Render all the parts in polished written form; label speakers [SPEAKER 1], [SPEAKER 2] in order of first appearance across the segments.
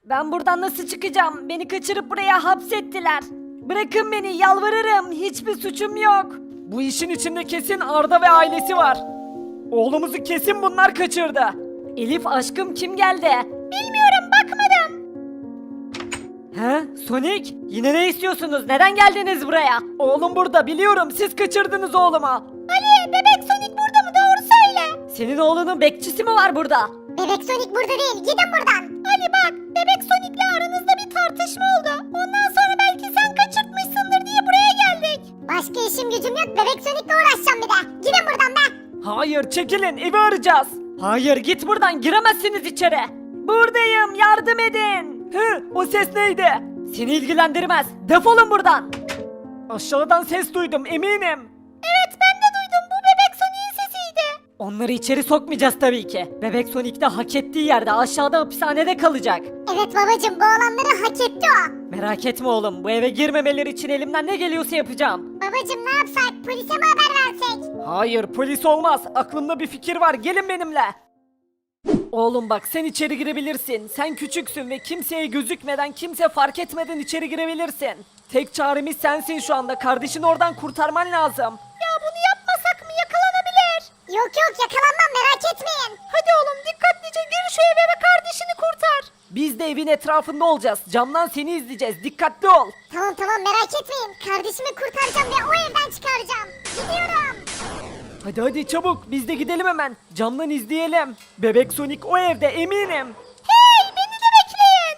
[SPEAKER 1] Ben buradan nasıl çıkacağım? Beni kaçırıp buraya hapsettiler. Bırakın beni, yalvarırım. Hiçbir suçum yok. Bu işin içinde kesin Arda ve ailesi var. Oğlumuzu kesin bunlar kaçırdı. Elif aşkım, kim geldi? Bilmiyorum, bakmadım. He? Sonic? Yine ne istiyorsunuz? Neden geldiniz buraya? Oğlum burada, biliyorum. Siz kaçırdınız oğlumu. Ali, bebek Sonic burada mı? Doğru söyle. Senin oğlunun bekçisi mi var burada?
[SPEAKER 2] Bebek Sonic burada değil. Gidin buradan.
[SPEAKER 1] Ali bak, bebek Sonic'le aranızda bir tartışma oldu. Ondan sonra belki sen kaçırtmışsındır diye buraya geldik.
[SPEAKER 2] Başka işim gücüm yok. Bebek Sonic'le uğraşacağım bir de. Gidin buradan be.
[SPEAKER 1] Hayır, çekilin, evi arayacağız. Hayır, git buradan, giremezsiniz içeri. Buradayım, yardım edin. O ses neydi? Seni ilgilendirmez, defolun buradan. Aşağıdan ses duydum, eminim. Evet, ben de duydum, bu bebek Sonic'in sesiydi. Onları içeri sokmayacağız tabii ki. Bebek Sonic de hak ettiği yerde, aşağıda hapishanede kalacak.
[SPEAKER 2] Evet babacım, bu olanları hak etti o.
[SPEAKER 1] Merak etme oğlum, bu eve girmemeleri için elimden ne geliyorsa yapacağım.
[SPEAKER 2] Babacım, ne yapsak? Polise mi haber versek?
[SPEAKER 1] Hayır, polis olmaz. Aklımda bir fikir var. Gelin benimle. Oğlum bak, sen içeri girebilirsin. Sen küçüksün ve kimseye gözükmeden, kimse fark etmeden içeri girebilirsin. Tek çaremiz sensin şu anda. Kardeşini oradan kurtarman lazım. Ya bunu yapmasak mı? Yakalanabilir.
[SPEAKER 2] Yok yok, yakalanmam, merak etmeyin.
[SPEAKER 1] Hadi oğlum, dikkatlice gir şu eve ve kardeşini kurtar. Biz de evin etrafında olacağız. Camdan seni izleyeceğiz. Dikkatli ol.
[SPEAKER 2] Tamam tamam, merak etmeyin. Kardeşimi kurtaracağım ve o evden çıkaracağım. Gidiyorum.
[SPEAKER 1] Hadi hadi çabuk, biz de gidelim hemen. Camdan izleyelim. Bebek Sonic o evde, eminim.
[SPEAKER 2] Hey, beni de bekleyin.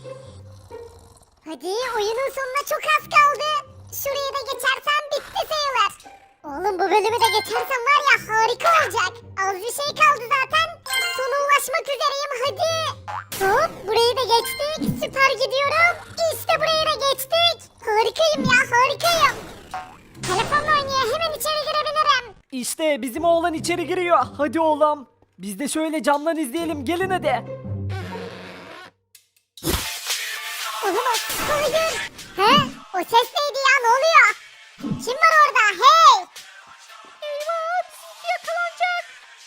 [SPEAKER 2] Hadi, oyunun sonuna çok az kaldı. Şurayı da geçersem bitti sayılır. Oğlum, bu bölümü de geçersem var ya, harika olacak. Az bir şey kaldı zaten. Sona ulaşmak üzereyim, hadi. Hop, burayı da geçtik. Süper gidiyorum. İşte burayı da geçtik. Harikayım ya, harikayım. Telefonla oynuyor, hemen içeri girebilirim.
[SPEAKER 1] İşte bizim oğlan içeri giriyor. Hadi oğlum. Biz de şöyle camdan izleyelim. Gelin hadi.
[SPEAKER 2] Olamaz, hayır. He? O ses neydi ya, ne oluyor? Kim var orada, hey?
[SPEAKER 1] Eyvah, yakalanacak.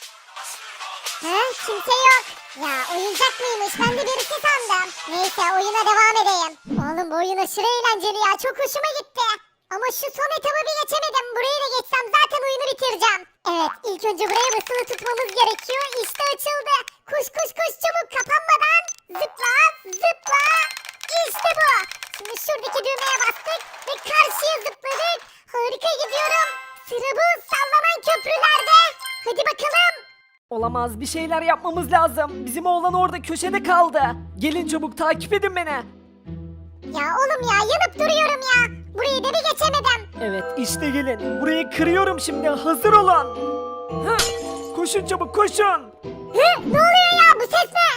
[SPEAKER 2] He? Kimse yok. Ya oyuncak mıymış, ben de birisi sandım. Neyse, oyuna devam edeyim. Oğlum, bu oyun aşırı eğlenceli ya, çok hoşuma gitti. Ama şu son etabı bir geçemedim. Burayı da geçsem zaten oyunu bitireceğim. Evet, ilk önce buraya basılı tutmamız gerekiyor. İşte açıldı. Koş koş koş, çabuk, kapanmadan. Zıpla zıpla. İşte bu. Şimdi şuradaki düğmeye bastık ve karşıya zıpladık. Harika gidiyorum. Sıra bu sallanan köprülerde. Hadi bakalım.
[SPEAKER 1] Olamaz, bir şeyler yapmamız lazım. Bizim oğlan orada köşede kaldı. Gelin çabuk, takip edin beni.
[SPEAKER 2] Ya oğlum ya, yanıp duruyorum ya. Burayı da bir geçemedim.
[SPEAKER 1] Evet, işte gelin. Burayı kırıyorum şimdi. Hazır olun. Hı, koşun çabuk, koşun.
[SPEAKER 2] Hı, ne oluyor ya, bu ses ne?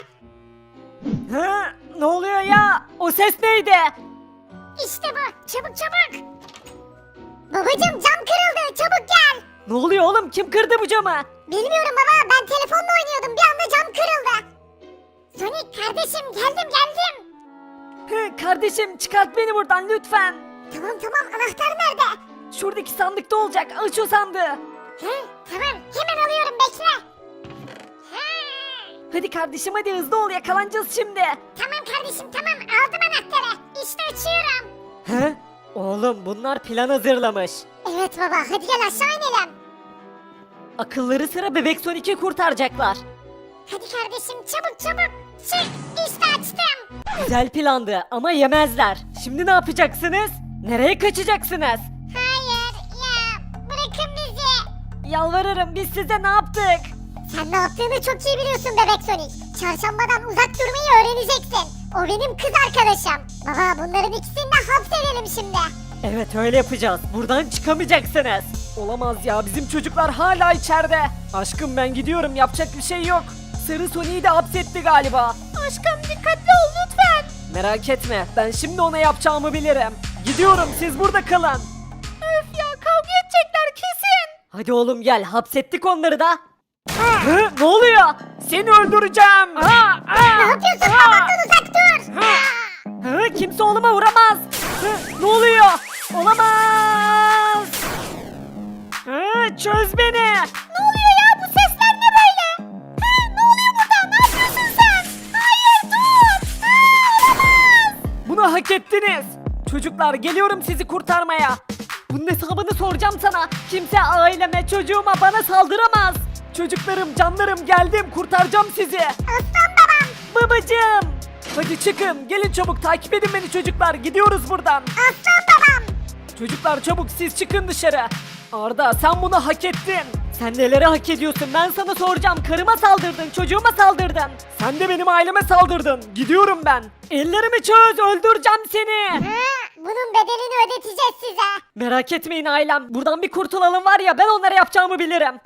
[SPEAKER 1] Hı, ne oluyor ya? O ses neydi?
[SPEAKER 2] İşte bu, çabuk çabuk. Babacım, cam kırıldı, çabuk gel.
[SPEAKER 1] Ne oluyor oğlum? Kim kırdı bu camı?
[SPEAKER 2] Bilmiyorum baba, ben telefonla oynuyordum, bir anda cam kırıldı. Sonic kardeşim, geldim geldim.
[SPEAKER 1] Hı, kardeşim, çıkart beni buradan lütfen.
[SPEAKER 2] Tamam tamam, anahtar nerede?
[SPEAKER 1] Şuradaki sandıkta olacak. Aç o sandığı.
[SPEAKER 2] He, tamam, hemen alıyorum, bekle. He.
[SPEAKER 1] Hadi kardeşim, hadi hızlı ol, yakalanacağız şimdi.
[SPEAKER 2] Tamam kardeşim, tamam, aldım anahtarı. İşte açıyorum.
[SPEAKER 1] He? Oğlum, bunlar plan hazırlamış.
[SPEAKER 2] Evet baba, hadi gel aşağı inelim.
[SPEAKER 1] Akılları sıra bebek Sonic'i kurtaracaklar.
[SPEAKER 2] Hadi kardeşim, çabuk çabuk. Çık, işte açtım.
[SPEAKER 1] Güzel plandı ama yemezler. Şimdi ne yapacaksınız? Nereye kaçacaksınız?
[SPEAKER 2] Hayır, ya bırakın bizi.
[SPEAKER 1] Yalvarırım, biz size ne yaptık?
[SPEAKER 2] Sen ne yaptığını çok iyi biliyorsun bebek Sonic. Çarşambadan uzak durmayı öğreneceksin. O benim kız arkadaşım. Baba, bunların ikisini de hapsedelim şimdi.
[SPEAKER 1] Evet, öyle yapacağız. Buradan çıkamayacaksınız. Olamaz ya, bizim çocuklar hala içeride. Aşkım, ben gidiyorum, yapacak bir şey yok. Sarı Sonic'i de hapsetti galiba. Aşkım, dikkatli ol lütfen. Merak etme, ben şimdi ona yapacağımı bilirim. Gidiyorum, siz burada kalın. Öf ya, kavga edecekler kesin. Hadi oğlum gel, hapsettik onları da. Hı, ne oluyor? Seni öldüreceğim.
[SPEAKER 2] Ne yapıyorsun? Babamdan uzak dur.
[SPEAKER 1] Hı, kimse oğluma vuramaz. Hı, ne oluyor? Olamaz. Hı, çöz beni.
[SPEAKER 2] Ne oluyor ya? Bu sesler ne böyle? Ne oluyor burada? Ne yapıyorsun sen? Hayır, dur.
[SPEAKER 1] Bunu hak ettiniz. Çocuklar geliyorum sizi kurtarmaya. Bunun hesabını soracağım sana. Kimse aileme, çocuğuma, bana saldıramaz. Çocuklarım, canlarım geldim kurtaracağım sizi.
[SPEAKER 2] Aslan babam.
[SPEAKER 1] Babacığım. Hadi çıkın gelin çabuk takip edin beni çocuklar gidiyoruz buradan.
[SPEAKER 2] Aslan babam.
[SPEAKER 1] Çocuklar çabuk siz çıkın dışarı. Arda sen bunu hak ettin. Sen neleri hak ediyorsun ben sana soracağım. Karıma saldırdın, çocuğuma saldırdın. Sen de benim aileme saldırdın. Gidiyorum ben. Ellerimi çöz öldüreceğim seni.
[SPEAKER 2] Bunun bedelini ödeteceğiz size.
[SPEAKER 1] Merak etmeyin ailem. Buradan bir kurtulalım var ya ben onlara yapacağımı bilirim.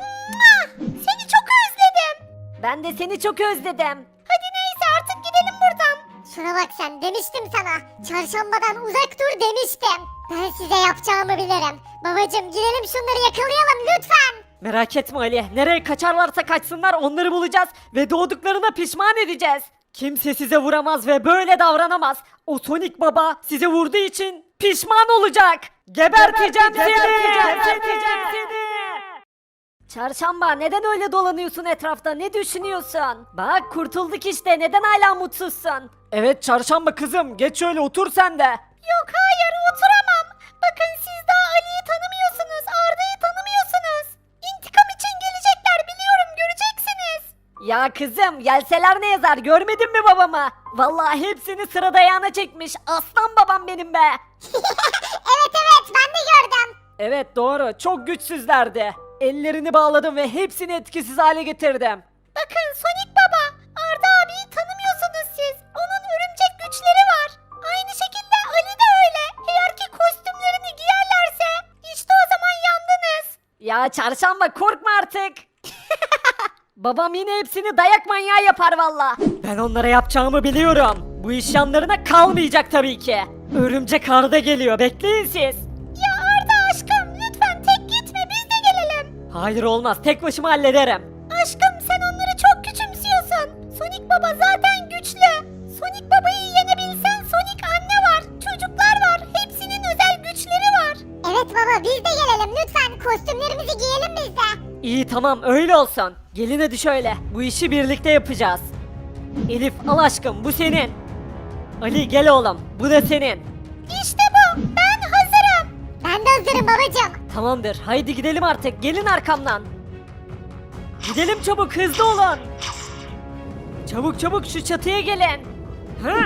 [SPEAKER 2] Seni çok özledim.
[SPEAKER 1] Ben de seni çok özledim.
[SPEAKER 2] Hadi neyse artık gidelim buradan. Şuna bak sen demiştim sana. Çarşambadan uzak dur demiştim. Ben size yapacağımı bilirim. Babacım gidelim şunları yakalayalım lütfen.
[SPEAKER 1] Merak etme Ali. Nereye kaçarlarsa kaçsınlar onları bulacağız ve doğduklarına pişman edeceğiz. Kimse size vuramaz ve böyle davranamaz. O Sonic Baba size vurduğu için pişman olacak. Geberteceğim seni. Geberteceğim seni. Çarşamba neden öyle dolanıyorsun etrafta? Ne düşünüyorsun? Bak kurtulduk işte. Neden hala mutsuzsun? Evet Çarşamba kızım. Geç şöyle otur sen de.
[SPEAKER 2] Yok hayır oturamam. Bakın siz daha Ali'yi tanımıyorsunuz. Arda'yı tanımıyorsunuz. İntikam için gelecekler biliyorum göreceksiniz.
[SPEAKER 1] Ya kızım gelseler ne yazar görmedin mi babamı? Vallahi hepsini sıra dayağına çekmiş. Aslan babam benim be.
[SPEAKER 2] Evet ben de gördüm.
[SPEAKER 1] Evet doğru çok güçsüzlerdi. Ellerini bağladım ve hepsini etkisiz hale getirdim.
[SPEAKER 2] Bakın Sonic Baba, Arda abiyi tanımıyorsunuz siz. Onun örümcek güçleri var. Aynı şekilde Ali de öyle. Eğer ki kostümlerini giyerlerse işte o zaman yandınız.
[SPEAKER 1] Ya Çarşamba korkma artık. Babam yine hepsini dayak manyağı yapar valla. Ben onlara yapacağımı biliyorum. Bu iş yanlarına kalmayacak tabii ki. Örümcek Arda geliyor bekleyin siz.
[SPEAKER 2] Ya Arda aşkım lütfen tek gitme biz de gelelim.
[SPEAKER 1] Hayır olmaz tek başıma hallederim.
[SPEAKER 2] Aşkım sen onları çok küçümsüyorsun. Sonic Baba zaten güçlü. Sonic Baba'yı yenebilsen Sonic anne var, çocuklar var. Hepsinin özel güçleri var. Evet baba biz de gelelim lütfen. Kostümlerimizi giyelim biz de.
[SPEAKER 1] İyi tamam öyle olsun. Gelin hadi şöyle. Bu işi birlikte yapacağız. Elif al aşkım bu senin. Ali gel oğlum bu da senin.
[SPEAKER 2] İşte bu. Ben hazırım. Ben de hazırım babacığım.
[SPEAKER 1] Tamamdır haydi gidelim artık gelin arkamdan. Gidelim çabuk hızlı olun. Çabuk çabuk şu çatıya gelin. Ha?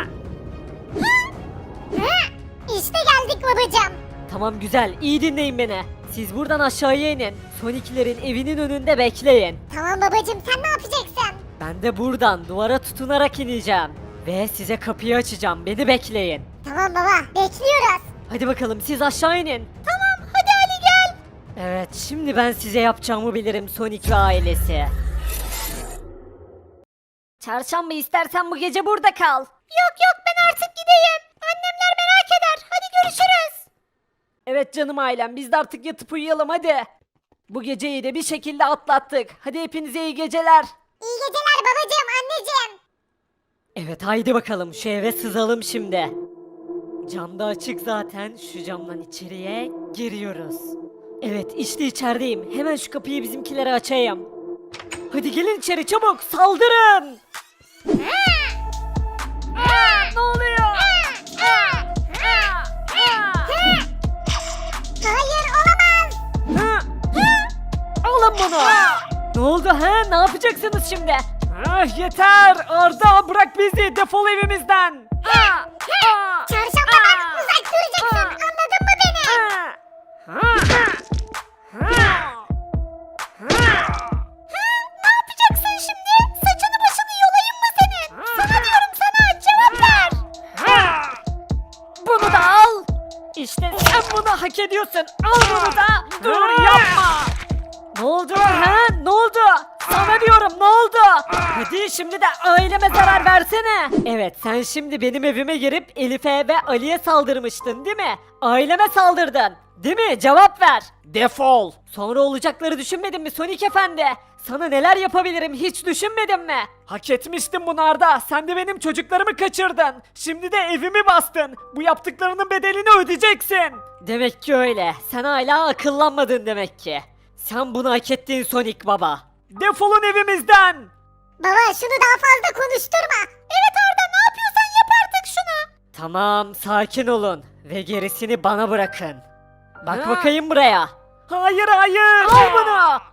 [SPEAKER 2] İşte geldik babacığım.
[SPEAKER 1] Tamam güzel iyi dinleyin beni. Siz buradan aşağıya inin. Sonic'lerin evinin önünde bekleyin.
[SPEAKER 2] Tamam babacığım sen ne yapacaksın?
[SPEAKER 1] Ben de buradan duvara tutunarak ineceğim. Ve size kapıyı açacağım beni bekleyin.
[SPEAKER 2] Tamam baba bekliyoruz.
[SPEAKER 1] Hadi bakalım siz aşağı inin.
[SPEAKER 2] Tamam hadi Ali gel.
[SPEAKER 1] Evet şimdi ben size yapacağımı bilirim Sonic ve ailesi. Çarşamba istersen bu gece burada kal.
[SPEAKER 2] Yok ben artık gideyim. Annemler merak eder. Hadi görüşürüz.
[SPEAKER 1] Evet canım ailem biz de artık yatıp uyuyalım hadi. Bu geceyi de bir şekilde atlattık. Hadi hepinize iyi geceler.
[SPEAKER 2] İyi geceler babacığım anneciğim.
[SPEAKER 1] Evet haydi bakalım şu eve sızalım şimdi. Cam da açık zaten şu camdan içeriye giriyoruz. Evet işte içerideyim. Hemen şu kapıyı bizimkilere açayım. Hadi gelin içeri çabuk saldırın. Ne oluyor?
[SPEAKER 2] Hayır olamaz.
[SPEAKER 1] Alın bunu. Ne oldu ha? Ne yapacaksınız şimdi? Yeter Arda bırak bizi defol evimizden.
[SPEAKER 2] Çarşambadan uzak duracaksın anladın mı beni? Ne yapacaksın şimdi? Saçını başını yolayım mı senin? Sana diyorum sana cevap ver.
[SPEAKER 1] Bunu da al. İşte sen bunu hak ediyorsun. Al bunu da. Dur yapma. Ne oldu ha? Ne oldu? Sana diyorum ne oldu? Hadi şimdi de aileme zarar versene. Evet sen şimdi benim evime girip Elif'e ve Ali'ye saldırmıştın değil mi? Aileme saldırdın. Değil mi? Cevap ver. Defol. Sonra olacakları düşünmedin mi Sonic Efendi? Sana neler yapabilirim hiç düşünmedin mi? Hak etmiştin bunu Arda. Sen de benim çocuklarımı kaçırdın. Şimdi de evimi bastın. Bu yaptıklarının bedelini ödeyeceksin. Demek ki öyle. Sen hala akıllanmadın demek ki. Sen bunu hak ettin Sonic Baba. Defolun evimizden.
[SPEAKER 2] Baba şunu daha fazla konuşturma. Evet Arda ne yapıyorsan yap artık şunu.
[SPEAKER 1] Tamam, sakin olun ve gerisini bana bırakın. Bak bakayım buraya. Hayır hayır. Al bunu.